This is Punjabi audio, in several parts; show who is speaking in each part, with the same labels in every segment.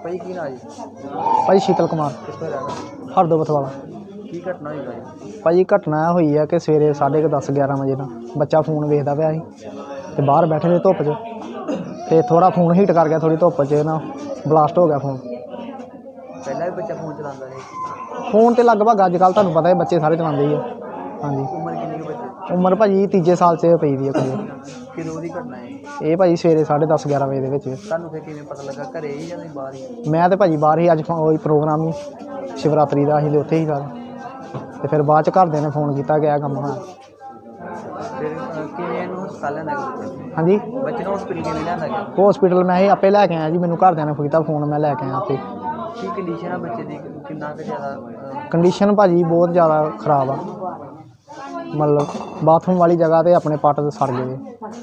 Speaker 1: ਭਾਈ ਕੀ ਨਾਂ ਜੀ?
Speaker 2: ਭਾਈ ਸ਼ੀਤਲ ਕੁਮਾਰ
Speaker 1: ਕਿੱਥੋਂ ਰਹਿਣਾ?
Speaker 2: ਹਰਦੋਬਤ ਵਾਲਾ।
Speaker 1: ਕੀ ਘਟਨਾ ਹੋਈ ਭਾਈ?
Speaker 2: ਭਾਜੀ ਘਟਨਾ ਹੋਈ ਹੈ ਕਿ ਸਵੇਰੇ 10:30 11 ਵਜੇ ਨਾਲ ਬੱਚਾ ਫੋਨ ਵੇਖਦਾ ਪਿਆ ਸੀ ਤੇ ਬਾਹਰ ਬੈਠੇ ਦੇ ਧੁੱਪ 'ਚ ਤੇ ਥੋੜਾ ਫੋਨ ਹੀਟ ਕਰ ਗਿਆ, ਥੋੜੀ ਧੁੱਪ 'ਚ ਨਾ ਬਲਾਸਟ ਹੋ ਗਿਆ ਫੋਨ।
Speaker 1: ਪਹਿਲਾਂ ਵੀ ਬੱਚਾ ਫੋਨ ਚਲਾਉਂਦਾ ਸੀ?
Speaker 2: ਫੋਨ ਤੇ ਲਗਭਗ ਅੱਜ ਕੱਲ੍ਹ ਤੁਹਾਨੂੰ ਪਤਾ ਹੈ ਬੱਚੇ ਸਾਰੇ ਚਲਾਉਂਦੇ ਹੀ ਆ। ਹਾਂਜੀ।
Speaker 1: ਉਮਰ ਕਿੰਨੀ ਕੁ ਬੱਚੇ?
Speaker 2: ਉਮਰ ਭਾਜੀ ਤੀਜੇ ਸਾਲ 'ਚ ਪਈ ਦੀ ਹੈ ਕੁੜੀ।
Speaker 1: ਕਿਦੋਂ ਦੀ ਘਟਨਾ ਹੈ
Speaker 2: ਇਹ ਭਾਜੀ ਸਵੇਰੇ 10:30 11 ਵਜੇ ਦੇ ਵਿੱਚ।
Speaker 1: ਤੁਹਾਨੂੰ ਫਿਰ ਕਿਵੇਂ ਪਤਾ ਲੱਗਾ? ਘਰੇ ਹੀ ਜਾਂ ਤੁਸੀਂ ਬਾਹਰ ਹੀ?
Speaker 2: ਮੈਂ ਤੇ ਭਾਜੀ ਬਾਹਰ ਹੀ, ਅੱਜ ਉਹੀ ਪ੍ਰੋਗਰਾਮ ਹੀ ਸ਼ਿਵਰਾਤਰੀ ਦਾ, ਅਸੀਂ ਤੇ ਉੱਥੇ ਹੀ ਸਾਰੇ। ਤੇ ਫਿਰ ਬਾਅਦ 'ਚ ਘਰਦਿਆਂ ਨੇ ਫੋਨ ਕੀਤਾ ਕਿ ਇਹ ਕੰਮ ਹੋਇਆ।
Speaker 1: ਫਿਰ ਕਿਵੇਂ ਇਹਨੂੰ ਹਸਪਤਾਲ ਲਿਆਂਦਾ ਗਿਆ?
Speaker 2: ਹਾਂਜੀ।
Speaker 1: ਬੱਚੇ ਨੂੰ ਹਸਪੀਟਲ ਕਿਵੇਂ ਲਿਆਂਦਾ ਗਿਆ?
Speaker 2: ਹਸਪੀਟਲ ਮੈਂ ਹੀ ਆਪੇ ਲੈ ਕੇ ਆਇਆ ਜੀ, ਮੈਨੂੰ ਘਰਦਿਆਂ ਨੇ ਕੀਤਾ ਫੋਨ, ਮੈਂ ਲੈ ਕੇ ਆਇਆ ਆਪੇ।
Speaker 1: ਕੀ ਕੰਡੀਸ਼ਨ ਆ ਬੱਚੇ ਦੀ? ਕਿੰਨਾ ਕੁ ਜ਼ਿਆਦਾ?
Speaker 2: ਕੰਡੀਸ਼ਨ ਭਾਜੀ ਬਹੁਤ ਜ਼ਿਆਦਾ ਖਰਾਬ ਆ, ਮਤਲਬ ਬਾਥਰੂਮ ਵਾਲੀ ਜਗ੍ਹਾ ਤੇ ਆਪਣੇ ਪੱਟ ਤੇ ਸੜ ਗਏ।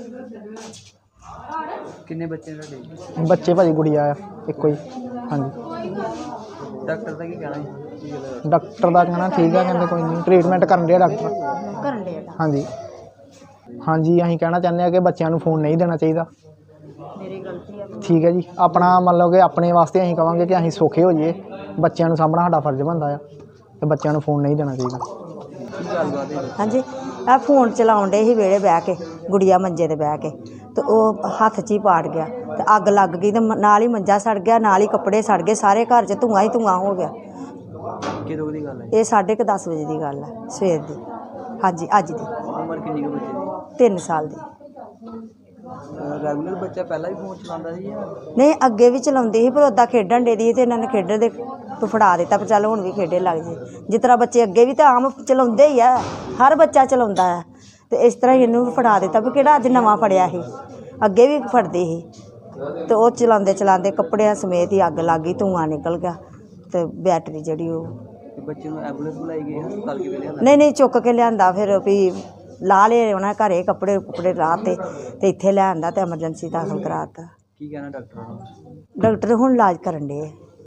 Speaker 1: ਕਿੰਨੇ ਬੱਚੇ ਨੇ ਤੁਹਾਡੇ?
Speaker 2: ਬੱਚੇ ਭਾਜੀ ਗੁੜੀਆ ਆ ਇੱਕੋ ਹੀ। ਹਾਂਜੀ।
Speaker 1: ਡਾਕਟਰ ਦਾ ਕੀ ਕਹਿਣਾ ਹੈ?
Speaker 2: ਡਾਕਟਰ ਦਾ ਕਹਿਣਾ ਠੀਕ ਆ, ਕਹਿੰਦੇ ਕੋਈ ਨਹੀਂ ਟ੍ਰੀਟਮੈਂਟ ਕਰਨ ਡਿਆ ਡਾਕਟਰ। ਹਾਂਜੀ ਹਾਂਜੀ। ਅਸੀਂ ਕਹਿਣਾ ਚਾਹੁੰਦੇ ਹਾਂ ਕਿ ਬੱਚਿਆਂ ਨੂੰ ਫੋਨ ਨਹੀਂ ਦੇਣਾ ਚਾਹੀਦਾ। ਠੀਕ ਹੈ ਜੀ। ਆਪਣਾ ਮਤਲਬ ਕਿ ਆਪਣੇ ਵਾਸਤੇ ਅਸੀਂ ਕਹਾਂਗੇ ਕਿ ਅਸੀਂ ਸੌਖੇ ਹੋ ਜਾਈਏ, ਬੱਚਿਆਂ ਨੂੰ ਸਾਂਭਣਾ ਸਾਡਾ ਫਰਜ਼ ਬਣਦਾ ਆ ਤੇ ਬੱਚਿਆਂ ਨੂੰ ਫੋਨ ਨਹੀਂ ਦੇਣਾ ਚਾਹੀਦਾ।
Speaker 3: ਹਾਂਜੀ। ਇਹ ਫੋਨ ਚਲਾਉਣ ਡੇ ਸੀ ਵਿਹੜੇ ਬਹਿ ਕੇ, ਗੁੜੀਆ ਮੰਜੇ ਤੇ ਬਹਿ ਕੇ, ਤੇ ਉਹ ਹੱਥ 'ਚ ਹੀ ਪਾੜ ਗਿਆ ਤੇ ਅੱਗ ਲੱਗ ਗਈ ਤੇ ਨਾਲ ਹੀ ਮੰਜਾ ਸੜ ਗਿਆ, ਨਾਲ ਹੀ ਕੱਪੜੇ ਸੜ ਗਏ, ਸਾਰੇ ਘਰ 'ਚ ਧੂੰਆਂ ਹੀ ਧੂੰਆਂ ਹੋ ਗਿਆ।
Speaker 1: ਕਿਦੋਂ ਦੀ ਗੱਲ ਹੈ?
Speaker 3: ਇਹ 10:30 ਵਜੇ ਦੀ ਗੱਲ ਹੈ, ਸਵੇਰ ਦੀ। ਹਾਂਜੀ, ਅੱਜ ਦੀ।
Speaker 1: ਉਮਰ ਕਿੰਨੀ ਕੁ ਬੱਚੇ ਦੀ?
Speaker 3: 3 ਸਾਲ ਦੀ।
Speaker 1: ਰੈਗੂਲਰ ਬੱਚਾ ਪਹਿਲਾਂ ਵੀ ਫੋਨ ਚਲਾਉਂਦਾ ਸੀ ਜਾਂ?
Speaker 3: ਨਹੀਂ, ਅੱਗੇ ਵੀ ਚਲਾਉਂਦੀ ਸੀ, ਪਰ ਉੱਦਾਂ ਖੇਡਣ ਡੇ ਦੀ ਤੇ ਇਹਨਾਂ ਨੇ ਖੇਡਣ ਦੇ ਤੋਂ ਫੜਾ ਦਿੱਤਾ, ਪਰ ਚੱਲ ਹੁਣ ਵੀ ਖੇਡੇ ਲੱਗ ਜੇ। ਜਿਸ ਤਰ੍ਹਾਂ ਬੱਚੇ ਅੱਗੇ ਵੀ ਤਾਂ ਆਮ ਚਲਾਉਂਦੇ ਹੀ ਆ, ਹਰ ਬੱਚਾ ਚਲਾਉਂਦਾ ਆ, ਤੇ ਇਸ ਤਰ੍ਹਾਂ ਹੀ ਇਹਨੂੰ ਵੀ ਫੜਾ ਦਿੱਤਾ ਵੀ ਕਿਹੜਾ ਅੱਜ ਨਵਾਂ ਫੜਿਆ ਸੀ, ਅੱਗੇ ਵੀ ਫੜਦੇ ਸੀ। ਤੇ ਉਹ ਚਲਾਉਂਦੇ ਚਲਾਉਂਦੇ ਕੱਪੜਿਆਂ ਸਮੇਤ ਹੀ ਅੱਗ ਲੱਗ ਗਈ, ਧੂੰਆਂ ਨਿਕਲ ਗਿਆ ਤੇ ਬੈਟਰੀ ਜਿਹੜੀ ਉਹ।
Speaker 1: ਬੱਚੇ ਨੂੰ ਐਂਬੂਲੈਂਸ ਬੁਲਾਈ ਗਈ ਹਸਪਤਾਲ ਕਿਵੇਂ ਲਿਆਂਦਾ?
Speaker 3: ਨਹੀਂ, ਚੁੱਕ ਕੇ ਲਿਆਂਦਾ, ਫਿਰ ਵੀ ਲਾ ਲਏ ਉਹਨਾਂ ਘਰੇ ਕੱਪੜੇ ਰਾਹ ਤੇ ਇੱਥੇ ਲਿਆਂਦਾ ਤੇ ਐਮਰਜੈਂਸੀ ਦਾਖਲ ਕਰਾਤਾ।
Speaker 1: ਕੀ ਕਹਿਣਾ ਡਾਕਟਰਾਂ ਨੂੰ?
Speaker 3: ਡਾਕਟਰ ਹੁਣ ਇਲਾਜ ਕਰਨ ਡੇ।